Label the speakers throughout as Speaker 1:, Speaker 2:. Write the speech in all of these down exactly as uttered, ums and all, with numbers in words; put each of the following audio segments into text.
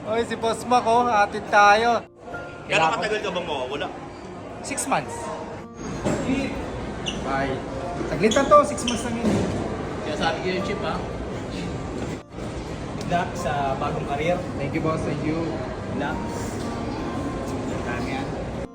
Speaker 1: Oy, si Boss Mac, oh, atid tayo.
Speaker 2: Gano'ng katagal ka bang mawawala?
Speaker 1: Six months. Bye. Saglit na to, six months lang yun.
Speaker 3: Kaya sabi ko yung chip ha.
Speaker 4: Good luck sa bagong career.
Speaker 1: Thank you, boss. Thank you.
Speaker 4: Good luck. Dami yan.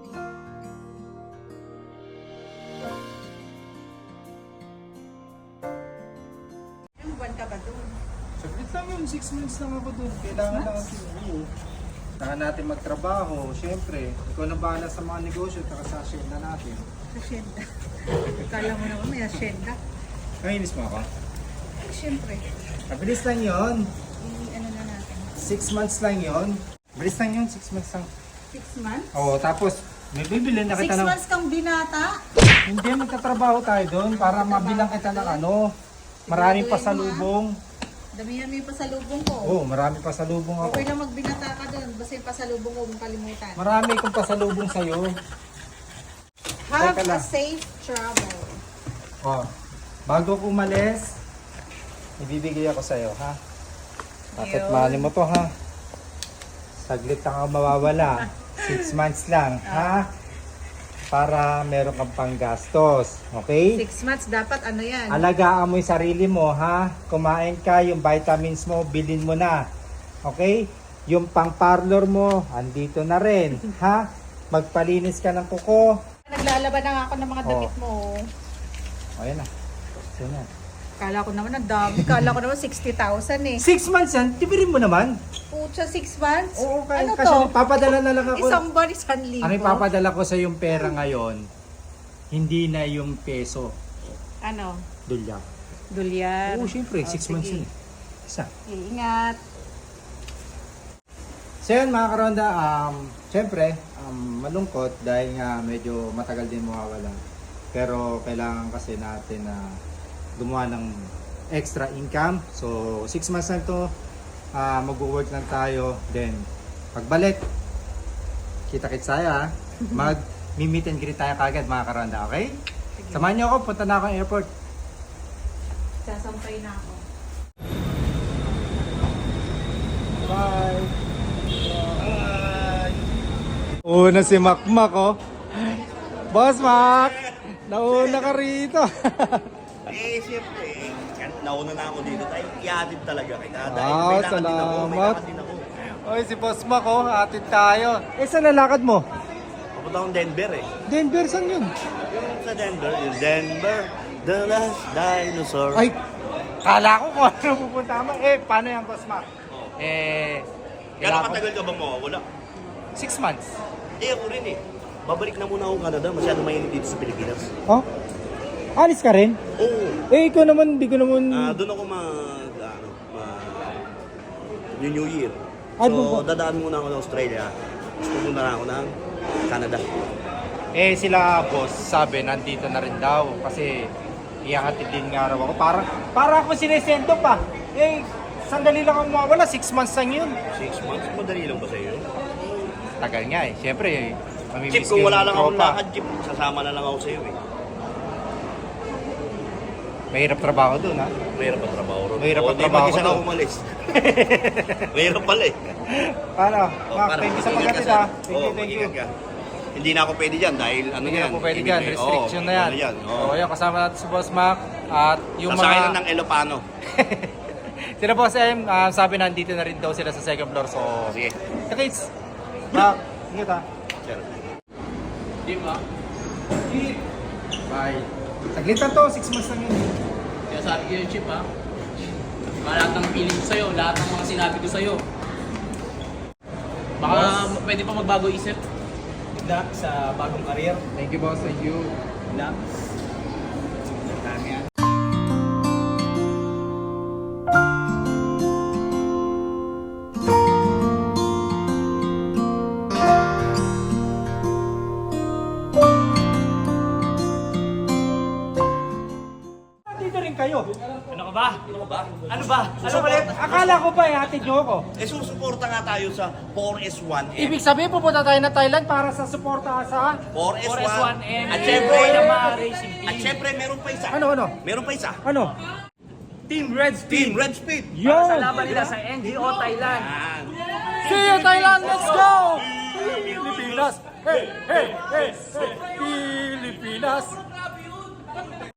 Speaker 5: Ilang buwan ka ba doon?
Speaker 1: Saglit lang yun, six months lang ako doon. Kailangan lang kasi. Saka natin magtrabaho, syempre. Ikaw na bahala sa mga negosyo, saka sa asyenda natin.
Speaker 5: Asyenda. Kala mo naman may asyenda.
Speaker 1: Kainis mo ako?
Speaker 5: Eh, siyempre.
Speaker 1: Mabilis lang yun.
Speaker 5: I-ano na natin.
Speaker 1: Six months lang yun. Bilis lang yun, six months lang.
Speaker 5: Six months?
Speaker 1: Oo, tapos may bibili na
Speaker 5: Six
Speaker 1: kita ng...
Speaker 5: months kang binata?
Speaker 1: Hindi, magtatrabaho tayo doon para mabilang kita ng ano. Maraming pasalubong.
Speaker 5: Damihan mo yung pasalubong ko.
Speaker 1: Oo, maraming pasalubong ako.
Speaker 5: Okay lang magbinata ka doon. Basta yung pasalubong ko, huwag mong kalimutan.
Speaker 1: Marami kong pasalubong sa'yo.
Speaker 5: Have
Speaker 1: Teka
Speaker 5: a
Speaker 1: lang.
Speaker 5: safe travel.
Speaker 1: Oh, bago ko umalis, ibibigay ako sa'yo, ha? Bakit
Speaker 5: Yun.
Speaker 1: mahali mo to, ha? Saglit lang ako mawawala. Six months lang, ha? Para meron kang panggastos, okay?
Speaker 5: Six months, dapat ano yan?
Speaker 1: Alagaan mo yung sarili mo, ha? Kumain ka, yung vitamins mo, bilhin mo na. Okay? Yung pang-parlor mo, andito na rin, ha? Magpalinis ka ng kuko.
Speaker 5: Naglalaban na nga ako ng mga damit mo.
Speaker 1: O, yan na. So, yan.
Speaker 5: Kala ko naman ang dami. Kala ko naman sixty thousand eh.
Speaker 1: Six months yan, tibirin mo naman.
Speaker 5: Pucha, six months?
Speaker 1: Oo, kaya,
Speaker 5: Ano
Speaker 1: kasi
Speaker 5: to?
Speaker 1: papadala na lang ako.
Speaker 5: Isang buwan, isang libo.
Speaker 1: Ang ipapadala ko sa yung pera ngayon, hindi na yung peso,
Speaker 5: Ano?
Speaker 1: dolyar.
Speaker 5: Dulyan.
Speaker 1: Oo, syempre,
Speaker 5: Oh,
Speaker 1: six months
Speaker 5: sige.
Speaker 1: yun. eh. Isa.
Speaker 5: Iingat.
Speaker 1: So yun mga karonda, um, syempre, um, malungkot dahil nga medyo matagal din mawawala. Pero kailangan kasi natin na gumawa ng extra income. So six months na to, uh, mag-work lang tayo. Then, pagbalik, kita-kits tayo ha. Mag-meet and greet tayo kagad mga karonda, okay? Samahan niyo ako, punta na ako ng airport.
Speaker 5: Sasampay na ako.
Speaker 1: Bye! Una si Makmak, oh. Boss Mac! Nauna ka rito.
Speaker 2: Eh, siyempre, eh, nauna na ako dito tayo. Iatid talaga kita. Dahil
Speaker 1: Ah,
Speaker 2: may lakad din ako, may
Speaker 1: salamat.
Speaker 2: lakad din ako.
Speaker 1: Oy, si Boss Mac, oh. Atid tayo. Eh, saan lalakad mo?
Speaker 2: Papunta akong Denver eh.
Speaker 1: Denver, saan yun?
Speaker 2: Yung sa Denver, yung Denver, the last dinosaur.
Speaker 1: Ay, kala ko kung ano pupunta mo. Eh, paano yan, Boss Mac? Eh,
Speaker 2: Gano'ng
Speaker 1: kailangan ko-
Speaker 2: katagal ka bang mawawala?
Speaker 1: Six months.
Speaker 2: Eh, ako rin eh. Babalik na muna ako Canada. Masyado mainit dito sa Pilipinas.
Speaker 1: Oh? Alis ka rin?
Speaker 2: Oo.
Speaker 1: Eh, ikaw naman, di ko naman...
Speaker 2: Ah, doon ako mag, ano, mag, New New Year.
Speaker 1: Ah, doon
Speaker 2: So,
Speaker 1: ba?
Speaker 2: dadaan muna ako sa Australia. Tapos pupunta na ako ng Canada.
Speaker 1: Eh, sila, boss, sabi, nandito na rin daw. Kasi, iyahatid din nga raw ako. Parang, parang ako sinesendo pa. Eh, sandali lang ako mawawala. Six months lang yun.
Speaker 2: Six months? Madali lang ba sa iyo?
Speaker 1: Tagal nga eh. Siyempre, eh, mamimiss
Speaker 2: Chip,
Speaker 1: ko
Speaker 2: kung
Speaker 1: yung
Speaker 2: wala lang akong
Speaker 1: tropa.
Speaker 2: lakad, Chip, sasama na lang ako sa iyo eh.
Speaker 1: Mahirap trabaho dun, ha?
Speaker 2: Mahirap ang trabaho ron.
Speaker 1: Mahirap ang
Speaker 2: Oo, di,
Speaker 1: trabaho
Speaker 2: mag-isa
Speaker 1: ko
Speaker 2: ka
Speaker 1: doon.
Speaker 2: umalis. Mahirap pala eh.
Speaker 1: Paano?
Speaker 2: Oh,
Speaker 1: Mac,
Speaker 2: para
Speaker 1: thank you sa
Speaker 2: mag-ingat
Speaker 1: pagkatid,
Speaker 2: ka,
Speaker 1: ha?
Speaker 2: sir.
Speaker 1: Thank you,
Speaker 2: Oo,
Speaker 1: thank you.
Speaker 2: mag-ingat ka. Hindi na ako pwede dyan dahil ano
Speaker 1: Hindi
Speaker 2: yan.
Speaker 1: na po pwede dyan.
Speaker 2: ibigay-
Speaker 1: Restriction
Speaker 2: oo,
Speaker 1: na yan.
Speaker 2: ano yan. Oo.
Speaker 1: So, yun, kasama natin si Boss Mac. At yung
Speaker 2: Sasakay
Speaker 1: mga...
Speaker 2: na ng Elopano.
Speaker 1: Sila Boss M, ah, sabi nandito na rin daw sila sa second floor. So,
Speaker 2: Sige.
Speaker 1: Kakids, Mac, ingat ha.
Speaker 2: Sir.
Speaker 3: Di ba?
Speaker 1: Bye. Saglit na to, six months lang yun.
Speaker 3: Kaya sabi ko yung chip ha. Lahat ng feeling ko sa'yo, lahat ng mga sinabi ko sa'yo. Baka
Speaker 1: Boss.
Speaker 3: pwede pa magbago isip.
Speaker 4: Good luck sa bagong career.
Speaker 1: Thank you, boss. Thank you.
Speaker 4: Good luck. Dami yan.
Speaker 1: Nandito rin kayo.
Speaker 3: Ano ka ba? Ano ka ba? Ano ba? Ano ba?
Speaker 1: Akala ko ba, ihatid nyo ako?
Speaker 2: Eh, susuporta nga tayo sa four S one M.
Speaker 1: Ibig sabihin, pupunta tayo na Thailand para sa suporta sa...
Speaker 2: four S
Speaker 3: four S one
Speaker 2: one
Speaker 3: M.
Speaker 2: At syempre,
Speaker 3: Boy na mga racing team.
Speaker 2: at syempre, meron pa isa.
Speaker 1: Ano, ano?
Speaker 2: Meron pa isa.
Speaker 1: Ano?
Speaker 3: Team Red
Speaker 2: Team Red Speed.
Speaker 1: Yun!
Speaker 3: Sa laban nila sa N G O Thailand.
Speaker 2: Yan.
Speaker 1: Siya! Pilipinas! Hey, hey, hey, hey! Pilipinas!